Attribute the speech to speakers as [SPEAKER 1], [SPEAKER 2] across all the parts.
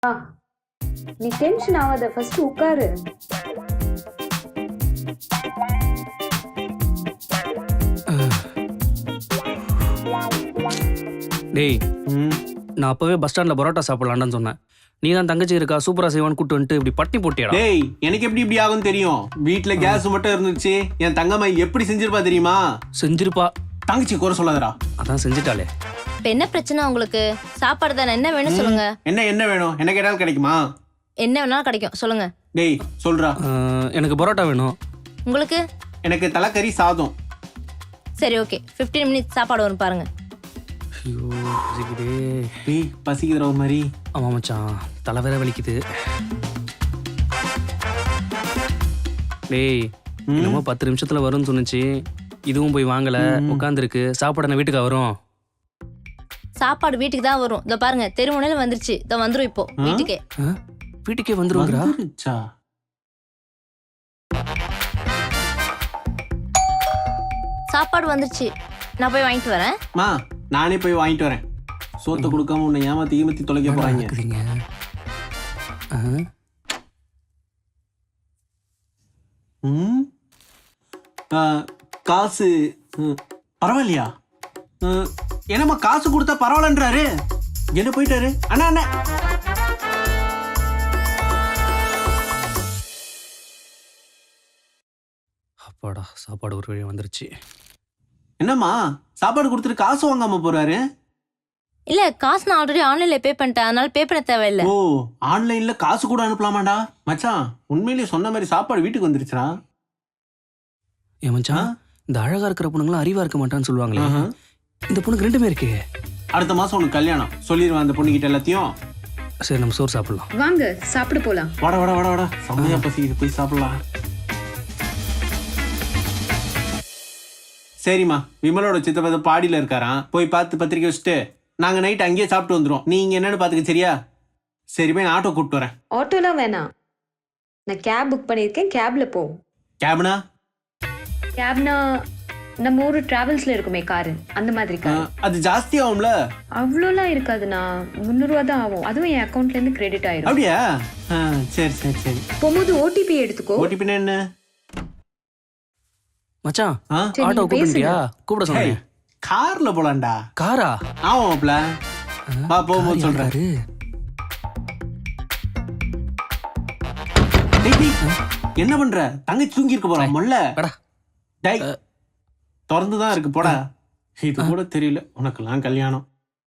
[SPEAKER 1] ஆ, நீ டென்ஷன் ஆகாத, ஃபர்ஸ்ட் உட்காரு.
[SPEAKER 2] டேய் நான் அப்பவே பஸ் ஸ்டாண்ட்ல பரோட்டா சாப்பிடலான்னு சொன்னேன். நீ தான் தங்கச்சி இருக்கா சூப்பரா செய்வான்னு கூட்டு வந்துட்டு இப்படி பட்டி போட்டியடா.
[SPEAKER 3] டேய் எனக்கு எப்படி இப்படி ஆகும் தெரியும். வீட்ல கேஸ் மட்டும் இருந்துச்சு, என் தங்கம்மா எப்படி செஞ்சிருப்பா தெரியுமா?
[SPEAKER 2] செஞ்சிருப்பா.
[SPEAKER 3] தங்கச்சி குறை சொல்லாதடா.
[SPEAKER 2] அதான் செஞ்சுட்டாளே.
[SPEAKER 4] இப்ப என்ன பிரச்சனை உங்களுக்கு? சாப்பாடு தானே, என்ன வேணும் சொல்லுங்க.
[SPEAKER 3] என்ன வேணும்? என்ன கேட்டாலும் கிடைக்குமா?
[SPEAKER 4] என்ன வேணாலும் கிடைக்கும், சொல்லுங்க.
[SPEAKER 3] டேய் சொல்றா.
[SPEAKER 2] எனக்கு பரோட்டா வேணும்.
[SPEAKER 4] உங்களுக்கு?
[SPEAKER 3] எனக்கு தலைக்கறி சாதம்.
[SPEAKER 4] சரி ஓகே, 15 மினிட்ஸ் சாப்பாடு வரும் பாருங்க.
[SPEAKER 2] ஐயோ பசிக்குதே.
[SPEAKER 3] டேய் பசிக்குதுற ஒரு மாதிரி.
[SPEAKER 2] ஆமா மச்சான், தலை வேற வலிக்குது. டேய் என்னமோ 10 நிமிஷத்துல வரும்னு சொன்னுச்சு. இதுவும் போய் வாங்கல, உட்காந்துருக்கு. சாப்பாடு வீட்டுக்கு வரும்.
[SPEAKER 4] சாப்பாடு வீட்டுக்கு தான் வரும். இதோ பாருங்க, தெருமுனையில வந்துருச்சு. இதோ வந்துரும் இப்போ வீட்டுக்கே.
[SPEAKER 2] வீட்டுக்கே வந்துருவாங்கடா.
[SPEAKER 3] வந்துருச்சா?
[SPEAKER 4] சாப்பாடு வந்துருச்சு, நான் போய் வாங்கிட்டு வரேன்.
[SPEAKER 3] மா நானே போய் வாங்கிட்டு வரேன். சோத்தை கொடுக்காம உன்னை ஏமாத்தி தொலைக்க போறாங்க. காசு பரவாயில்லையா? என்னம்மா காசு கொடுத்தா பரவாயில்லன்றாரு. என்ன போயிட்டாரு? அண்ணா அண்ணா
[SPEAKER 2] அப்பாடா, சாப்பாடு ஒரு வழி வந்துருச்சு.
[SPEAKER 3] என்னம்மா சாப்பாடு கொடுத்துட்டு காசு வாங்காம போறாரு?
[SPEAKER 4] இல்ல, காசு நான் ஆல்ரெடி ஆன்லைன்ல பே பண்ணிட்டேன், அதனால பே பண்ண தேவையில்லை.
[SPEAKER 3] ஓ ஆன்லைன்ல காசு கூட அனுப்பலாமாடா? மச்சான் உண்மையிலேயே சொன்ன மாதிரி சாப்பாடு வீட்டுக்கு வந்துருச்சுடா.
[SPEAKER 2] ஏன் மச்சான், இந்த அழகா இருக்கிற பொண்ணுங்களாம் அறிவா இருக்க மாட்டான்னு சொல்லுவாங்களே, இந்த பொண்ணுக்கு ரெண்டுமே இருக்கு.
[SPEAKER 3] அடுத்த மாசம் உனக்கு கல்யாணம் சொல்லிடுவேன் அந்த பொண்ணுகிட்ட எல்லாத்தையும்.
[SPEAKER 2] சரி நம்ம சோறு சாப்பிடலாம்.
[SPEAKER 1] வாங்க சாப்பிட போலாம்.
[SPEAKER 3] வாடா வாடா வாடா வாடா, செம்மையா பசிக்குது, போய் சாப்பிடலாம். சரிம்மா, விமலோட சித்தப்பா பாடியில இருக்காராம், போய் பார்த்து பத்திரிக்கை வச்சுட்டு நாங்க நைட் அங்கேயே சாப்பிட்டு வந்துடும். நீங்க என்னன்னு பாத்துக்க சரியா? சரி போய் நான் ஆட்டோ கூப்பிட்டு வரேன்.
[SPEAKER 1] ஆட்டோலாம் வேணாம், நான் கேப் புக் பண்ணியிருக்கேன், கேப்ல போ.
[SPEAKER 3] கேப்னா?
[SPEAKER 1] கேப்னா நம்ம ஊரு டிராவல்ஸ்ல இருக்குமே காரு, அந்த மாதிரி கார்.
[SPEAKER 3] அது ஜாஸ்தி ஆகும்ல?
[SPEAKER 1] அவ்வளோலாம் இருக்காதுண்ணா, 300 ரூபா தான் ஆகும். அதுவும் என் அக்கௌண்ட்ல இருந்து கிரெடிட் ஆயிரும்.
[SPEAKER 3] அப்படியா? சரி சரி சரி.
[SPEAKER 1] போகும்போது ஓடிபி எடுத்துக்கோ.
[SPEAKER 3] ஓடிபி என்ன?
[SPEAKER 2] மச்சான்
[SPEAKER 1] சரி,
[SPEAKER 2] ஆட்டோ
[SPEAKER 1] நீங்க
[SPEAKER 2] கூப்பிட்டியா? கூப்பிட சொன்னேன்.
[SPEAKER 3] கார்ல போலாம்டா.
[SPEAKER 2] காரா?
[SPEAKER 3] ஆமா மாப்ள, வா போகும்போது சொல்றாரு. என்ன பண்ற? தங்கச்சி தூங்கி இருக்க போறா மொல்ல. டேய் திறந்துதான் இருக்கு, போடா. இது கூட தெரியல உனக்கெல்லாம் கல்யாணம்.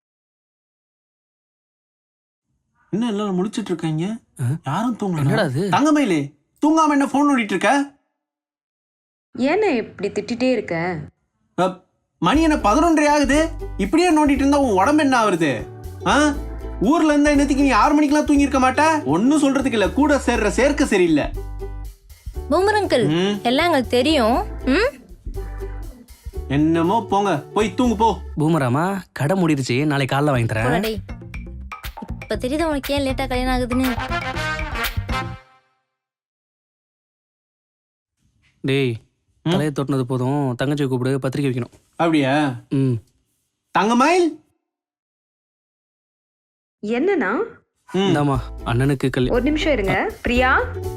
[SPEAKER 3] என்ன எல்லாரும் முடிச்சிட்டு இருக்காங்க, யாரும் தூங்கல. தங்கமயிலே தூங்காம என்ன போன் நோண்டிட்டு இருக்க?
[SPEAKER 1] ஏன்னா இப்படி திட்டிட்டே இருக்க?
[SPEAKER 3] மணி என்ன 11:30 ஆகுது, இப்படியே நோண்டிட்டு இருந்தா உன் உடம்பு என்ன ஆகுது? ஊர்ல இருந்தா என்னத்துக்கு நீ 6 மணிக்கெல்லாம் தூங்கி இருக்க மாட்டா? ஒன்னும் சொல்றதுக்கு இல்ல, கூட சேர்ற சேர்க்க சரியில்லை.
[SPEAKER 4] பூமர் அங்கிள், எல்லாம் எங்களுக்கு தெரியும்.
[SPEAKER 3] என்னமோ போங்க, போய் தூங்கு போ.
[SPEAKER 2] பூமராமா, கடை மூடிடுச்சு, நாளைக்கு காலைல வாங்கி தரேன்.
[SPEAKER 4] இப்ப தெரியுது உனக்கு ஏன் லேட்டா கல்யாணம் ஆகுதுன்னு.
[SPEAKER 2] டேய் தலையை தொட்டினது போதும், தங்கச்சி கூப்பிடு, பத்திரிக்கை வைக்கணும்.
[SPEAKER 3] அப்படியா? தங்கமயில்
[SPEAKER 1] என்னன்னா?
[SPEAKER 2] இந்தாமா அண்ணனுக்கு
[SPEAKER 1] ஒரு நிமிஷம் இருங்க. பிரியா,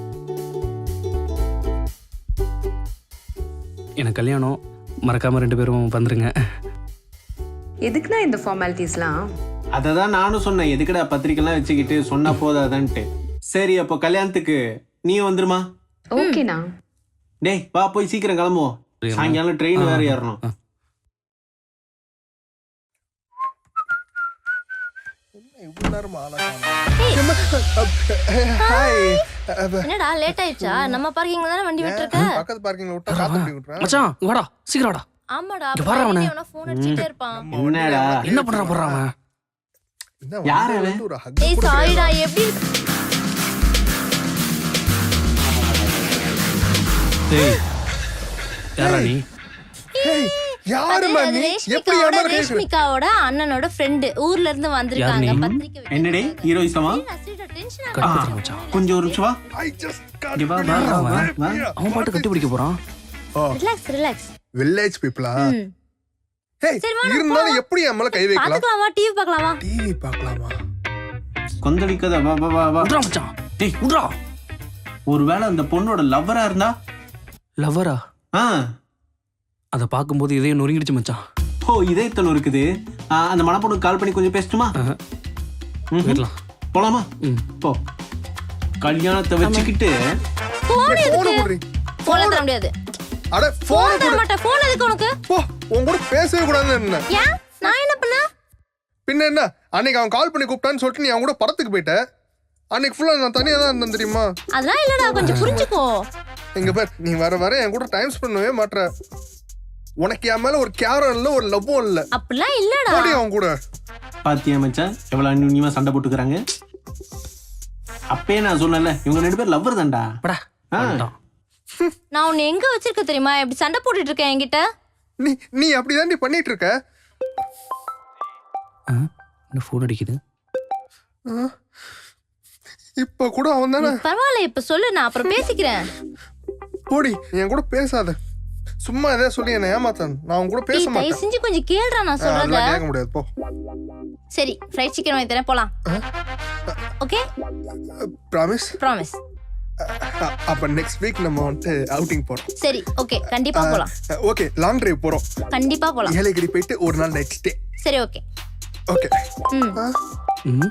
[SPEAKER 1] எனக்கு
[SPEAKER 2] கல்யாணம், மறக்காம 2 பேரும் வந்துருங்க.
[SPEAKER 1] எதுக்குன்னா இந்த ஃபார்மாலிட்டிஸ்லாம்?
[SPEAKER 3] அததான் நானும் சொன்னேன், எதுக்குடா பத்திரிக்கைலாம் வச்சுக்கிட்டு, சொன்னா போதாதான்ட்டு. சரி அப்போ கல்யாணத்துக்கு நீ வந்துருமா?
[SPEAKER 1] ஓகேண்ணா.
[SPEAKER 3] டேய் வா போய் சீக்கிரம் கிளம்புவோம், சாயங்காலம் ட்ரெயின் வேற ஏறணும்.
[SPEAKER 4] என்னடா லேட் ஆயிடுச்சா? நம்ம பார்க்கிங்ல தானே வண்டி விட்டுருக்க.
[SPEAKER 5] பக்கத்து பார்க்கிங்ல விட்டா காத்து அப்படி விட்டுறேன்.
[SPEAKER 2] மச்சான் வாடா, சீக்கிரம் வாடா.
[SPEAKER 4] ஆமாடா,
[SPEAKER 2] பாரு அவனை.
[SPEAKER 4] அவன ஃபோன் அடிச்சிட்டே இருப்பான்.
[SPEAKER 3] என்னடா
[SPEAKER 2] என்ன பண்றான் அவன்?
[SPEAKER 3] யார் அவன்?
[SPEAKER 5] ஒரு hug
[SPEAKER 4] ஏய் சாரிடா, எப்படி?
[SPEAKER 2] டேய் யாரா நீ?
[SPEAKER 5] யாருமா நீ? எப்படி ஏமா கேக்குற?
[SPEAKER 4] ரேஷ்மிகாவோட அண்ணனோட ஃப்ரெண்ட், ஊர்ல இருந்து வந்திருக்காங்க பத்திரிக்கை வைக்க.
[SPEAKER 3] என்னடே ஹீரோயிசமா? கொஞ்சம் ஒரு நிமிஷம் வா.
[SPEAKER 5] I just got
[SPEAKER 3] இங்க வா, வா, வா, வா.
[SPEAKER 2] அவன் பாட்டு கட்டி பிடிக்க போறான்.
[SPEAKER 4] Relax relax.
[SPEAKER 5] வில்லேஜ் பீப்பிளா? ஹேய்,
[SPEAKER 4] சரி, வா,
[SPEAKER 5] இருந்தாலும் எப்படி அம்மல கை வைக்கலாம்?
[SPEAKER 4] பாத்துக்கலாமா? டிவி பார்க்கலாமா?
[SPEAKER 5] டிவி பார்க்கலாமா?
[SPEAKER 3] கொந்தளிக்காத, வா வா வா வா.
[SPEAKER 2] விட்றா மச்சான். டேய் விட்றா.
[SPEAKER 3] ஒருவேளை அந்த பொண்ணோட லவ்வரா இருந்தா?
[SPEAKER 2] லவ்வரா?
[SPEAKER 3] ஆ,
[SPEAKER 2] அதை பார்க்கும்போது இதயம் நொறுங்கிடுச்சு மச்சான்.
[SPEAKER 3] ஓ இதயத்தல் இருக்குது. அந்த மணப்பொண்ணுக்கு கால் பண்ணி கொஞ்சம் பேசட்டுமா?
[SPEAKER 2] போயிடலாம்.
[SPEAKER 3] போலாமா?
[SPEAKER 2] ம்.
[SPEAKER 3] போ. கல்யாணத்தை வச்சுக்கிட்டு
[SPEAKER 4] போன்
[SPEAKER 5] போன
[SPEAKER 4] எதுக்கு?
[SPEAKER 5] போடுறீ
[SPEAKER 4] போன்ல தர முடியாது.
[SPEAKER 5] அட
[SPEAKER 4] போன்
[SPEAKER 5] போன்
[SPEAKER 4] தர மாட்டேன். போன் எதுக்கு உனக்கு?
[SPEAKER 5] போ உன் கூட பேசவே கூடாதுன்னு என்ன
[SPEAKER 4] ஏன்? நான் என்ன பண்ண?
[SPEAKER 5] பின்ன என்ன அன்னைக்கு அவன் கால் பண்ணி கூப்பிட்டான்னு சொல்லிட்டு நீ அவன் கூட படத்துக்கு போயிட்ட. அன்னைக்கு ஃபுல்லா நான் தனியா தான் இருந்தேன் தெரியுமா?
[SPEAKER 4] அதெல்லாம் இல்லடா, கொஞ்சம் புரிஞ்சுக்கோ.
[SPEAKER 5] எங்க பேர் நீ வர வர என் கூட டைம் ஸ்பெண்ட் பண்ணவே மாட்ற. உனக்கு என் மேல ஒரு கேரம் இல்ல, ஒரு லவ்வும் இல்ல.
[SPEAKER 4] அப்படிலாம் இல்லடா.
[SPEAKER 5] போடி அவன் கூட.
[SPEAKER 3] பாத்தியா மச்சான் எவ்வளவு அந்யுன்யமா சண்டை போட்டுக்கிறாங்க. அப்பயே நான் சொன்னேன்ல இவங்க 2 பேர் லவ்வர் தான்டா.
[SPEAKER 2] படா. வந்துட்டான்.
[SPEAKER 4] நான் உன்னை எங்க வச்சிருக்க தெரியுமா? இப்படி சண்டை போட்டுட்டு இருக்கேன் என்கிட்ட.
[SPEAKER 5] நீ அப்படிதான் நீ பண்ணிட்டு இருக்க.
[SPEAKER 2] என்ன ஃபோன் அடிக்குது?
[SPEAKER 5] இப்ப கூட அவன் தானே.
[SPEAKER 4] பரவாயில்ல, இப்ப சொல்லு, நான் அப்புறம் பேசிக்கிறேன்.
[SPEAKER 5] போடி என் கூட பேசாத. சும்மா எதாவது சொல்லி என்ன ஏமாத்தான். நான் அவன் கூட பேச
[SPEAKER 4] தயவு
[SPEAKER 5] மாட்டேன்.
[SPEAKER 4] செஞ்சு கொஞ்சம் கேளுடா நான் சொல்றத.
[SPEAKER 5] அதெல்லாம் கேட்க முடியாது போ.
[SPEAKER 4] சரி, ஃப்ரைட் சிக்கன் வாங்கி தரேன், போலாம். Okay,
[SPEAKER 5] promise.
[SPEAKER 4] ப்ராமிஸ்.
[SPEAKER 5] அப்ப நெக்ஸ்ட் வீக் நம்ம வந்துட்டு அவுட்டிங் போறோம்.
[SPEAKER 4] சரி, ஓகே, கண்டிப்பா போலாம்.
[SPEAKER 5] ஓகே லாங் டிரைவ் போறோம்.
[SPEAKER 4] கண்டிப்பா போலாம்.
[SPEAKER 5] ஏலகிரி போயிட்டு ஒரு நாள் நைட் ஸ்டே.
[SPEAKER 4] சரி, ஓகே.
[SPEAKER 5] ஓகே.
[SPEAKER 4] ம்.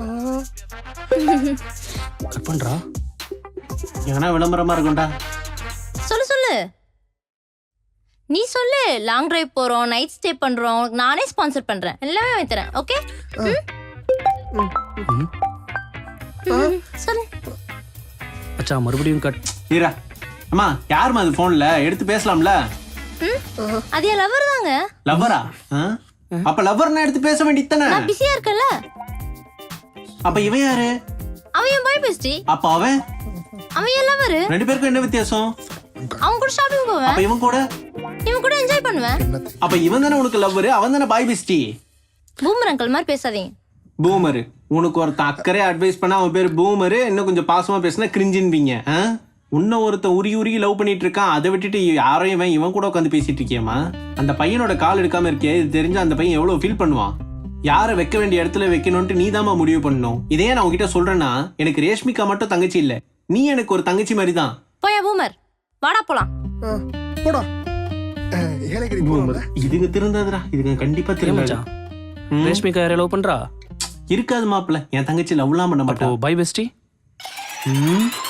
[SPEAKER 2] கட் பண்றா.
[SPEAKER 3] ஏன்னா விளம்பரமா இருக்கும்டா.
[SPEAKER 4] சொல்லு சொல்லு, நீ சொல்லு. லாங் டிரைவ் போறோம், நைட் ஸ்டே பண்றோம், உனக்கு நானே ஸ்பான்சர் பண்றேன், எல்லாமே வாங்கி தரேன். ஓகே. சொல்லு.
[SPEAKER 2] மச்சான் மறுபடியும் கட்.
[SPEAKER 3] ஈரா அம்மா யாருமா அது போன்ல எடுத்து பேசலாம்ல?
[SPEAKER 4] அது என் லவர் தாங்க.
[SPEAKER 3] லவ்வரா? அப்ப லவ்வர்னா எடுத்து பேச வேண்டியதானே?
[SPEAKER 4] நான் பிஸியா இருக்கல.
[SPEAKER 3] அப்ப இவன் யாரு?
[SPEAKER 4] அவன் என் பாய் பெஸ்டி.
[SPEAKER 3] அப்ப அவன்
[SPEAKER 4] அவன் என் லவர்.
[SPEAKER 3] 2 பேருக்கும் என்ன வித்தியாசம்?
[SPEAKER 4] அவன் கூட ஷாப்பிங் போவேன்,
[SPEAKER 3] அப்ப இவன் கூட
[SPEAKER 4] இவன் கூட என்ஜாய் பண்ணுவேன்.
[SPEAKER 3] அப்ப இவன் தானே உனக்கு லவ்வர், அவன் தானே பாய் பெஸ்டி.
[SPEAKER 4] பூமர் அங்கிள் மாதிரி பேசாதீங்க.
[SPEAKER 3] பூமரு உனக்கு ஒருத்தன் அக்கறையா அட்வைஸ் பண்ணா அவன் பேர் பூமரு, இன்னும் கொஞ்சம் பாசமா பேசினா கிரிஞ்சின்வீங்க. இன்னும் ஒருத்தன் உருகி உருகி லவ் பண்ணிட்டு இருக்கான், அதை விட்டுட்டு யாரையும் இவன் கூட உட்காந்து பேசிட்டு இருக்கியம்மா? அந்த பையனோட கால் எடுக்காம இருக்கே, இது தெரிஞ்ச அந்த பையன் எவ்வளவு ஃபீல் பண்ணுவான். யாரை வைக்க வேண்டிய இடத்துல வைக்கணும்ட்டு நீ தாமா முடிவு பண்ணணும். இதே நான் உங்ககிட்ட சொல்றேன்னா, எனக்கு ரேஷ்மிகா மட்டும் தங்கச்சி இல்ல, நீ எனக்கு ஒரு தங்கச்சி மாதிரி தான்.
[SPEAKER 4] போயா பூமர், வாடா போலாம்.
[SPEAKER 5] போடா. ஏலகிரி போறோம்.
[SPEAKER 3] இதுங்க திருந்தாதுடா, இதுங்க கண்டிப்பா திரும்ப.
[SPEAKER 2] மச்சான் ரேஷ்மிகா யாரை லவ் பண்றா?
[SPEAKER 3] இருக்காது மாப்பிள்ள, என் தங்கச்சி லவ்லாம் பண்ண
[SPEAKER 2] அப்போ
[SPEAKER 3] மாட்டா.
[SPEAKER 2] Bye bestie.